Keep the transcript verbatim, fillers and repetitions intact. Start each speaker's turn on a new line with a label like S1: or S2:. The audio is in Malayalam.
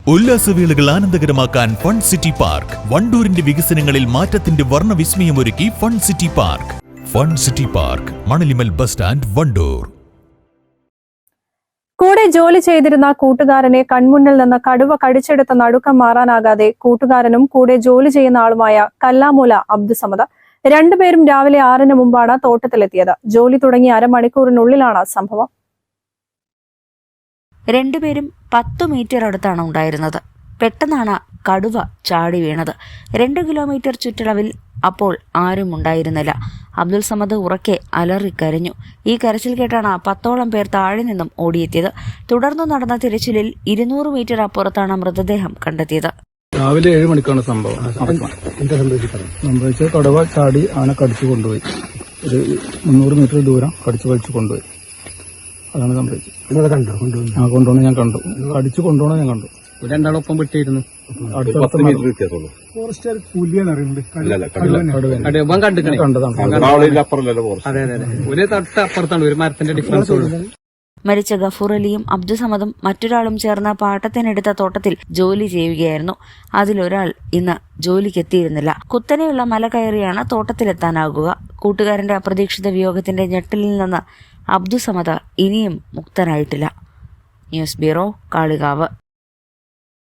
S1: ഉല്ലാസവേളകൾ ആനന്ദകരമാക്കാൻ ഫൺ സിറ്റി പാർക്ക്. വണ്ടൂരിന്റെ വികസനങ്ങളിൽ മാറ്റത്തിന്റെ വർണ്ണവിസ്മയമൊരുക്കി fun city park. Fun city park, Manalimal bus stand, Wandoor.
S2: കൂടെ ജോലി ചെയ്തിരുന്ന കൂട്ടുകാരനെ കൺമുന്നിൽ നിന്ന് കടുവ കടിച്ചെടുത്ത നടുക്കം മാറാനാകാതെ കൂട്ടുകാരനും കൂടെ ജോലി ചെയ്യുന്ന ആളുമായ കല്ലാമൂല അബ്ദുസമദ് രണ്ടുപേരും രാവിലെ ആറിന് മുമ്പാണ് തോട്ടത്തിലെത്തിയത്. ജോലി തുടങ്ങി അരമണിക്കൂറിനുള്ളിലാണ് സംഭവം.
S3: രണ്ടുപേരും പത്തു മീറ്റർ അടുത്താണ് ഉണ്ടായിരുന്നത്. പെട്ടെന്നാണ് കടുവ ചാടി വീണത്. രണ്ട് കിലോമീറ്റർ ചുറ്റളവിൽ അപ്പോൾ ആരും ഉണ്ടായിരുന്നില്ല. അബ്ദുൽ സമദ് ഉറക്കെ അലറിക്കരഞ്ഞു. ഈ കരച്ചിൽ കേട്ടാണ് പത്തോളം പേർ താഴെ നിന്നും ഓടിയെത്തിയത്. തുടർന്നു നടന്ന തിരച്ചിലിൽ ഇരുന്നൂറ് മീറ്റർ അപ്പുറത്താണ് മൃതദേഹം കണ്ടെത്തിയത്.
S4: രാവിലെ ഏഴ് മണിക്കാണ് സംഭവം. സംഭവിച്ചത് കടുവ ചാടി ആന കടിച്ചു കൊണ്ടുപോയി. ഒരു മുന്നൂറ് മീറ്റർ ദൂരം കടിച്ചു വലിച്ചു കൊണ്ടുപോയി. അതാണ് സംഭവിച്ചത്. ആ കൊണ്ടുപോകണം ഞാൻ കണ്ടു. കടിച്ചു കൊണ്ടുപോകണം ഞാൻ കണ്ടു.
S5: രണ്ടാളൊപ്പം വിട്ടിരുന്നു. ഒരു തൊട്ട് അപ്പുറത്താണ്, ഒരു മരത്തിന്റെ ഡിഫറൻസ് ഉള്ളൂ.
S3: മരിച്ച ഗഫൂർ അലിയും അബ്ദുസമദും മറ്റൊരാളും ചേർന്ന പാട്ടത്തിനെടുത്ത തോട്ടത്തിൽ ജോലി ചെയ്യുകയായിരുന്നു. അതിലൊരാൾ ഇന്ന് ജോലിക്കെത്തിയിരുന്നില്ല. കുത്തനെയുള്ള മല കയറിയാണ് തോട്ടത്തിലെത്താനാകുക. കൂട്ടുകാരന്റെ അപ്രതീക്ഷിത വിയോഗത്തിന്റെ ഞെട്ടലിൽ നിന്ന് അബ്ദുസമദ് ഇനിയും മുക്തനായിട്ടില്ല. News bureau, Kalikavu.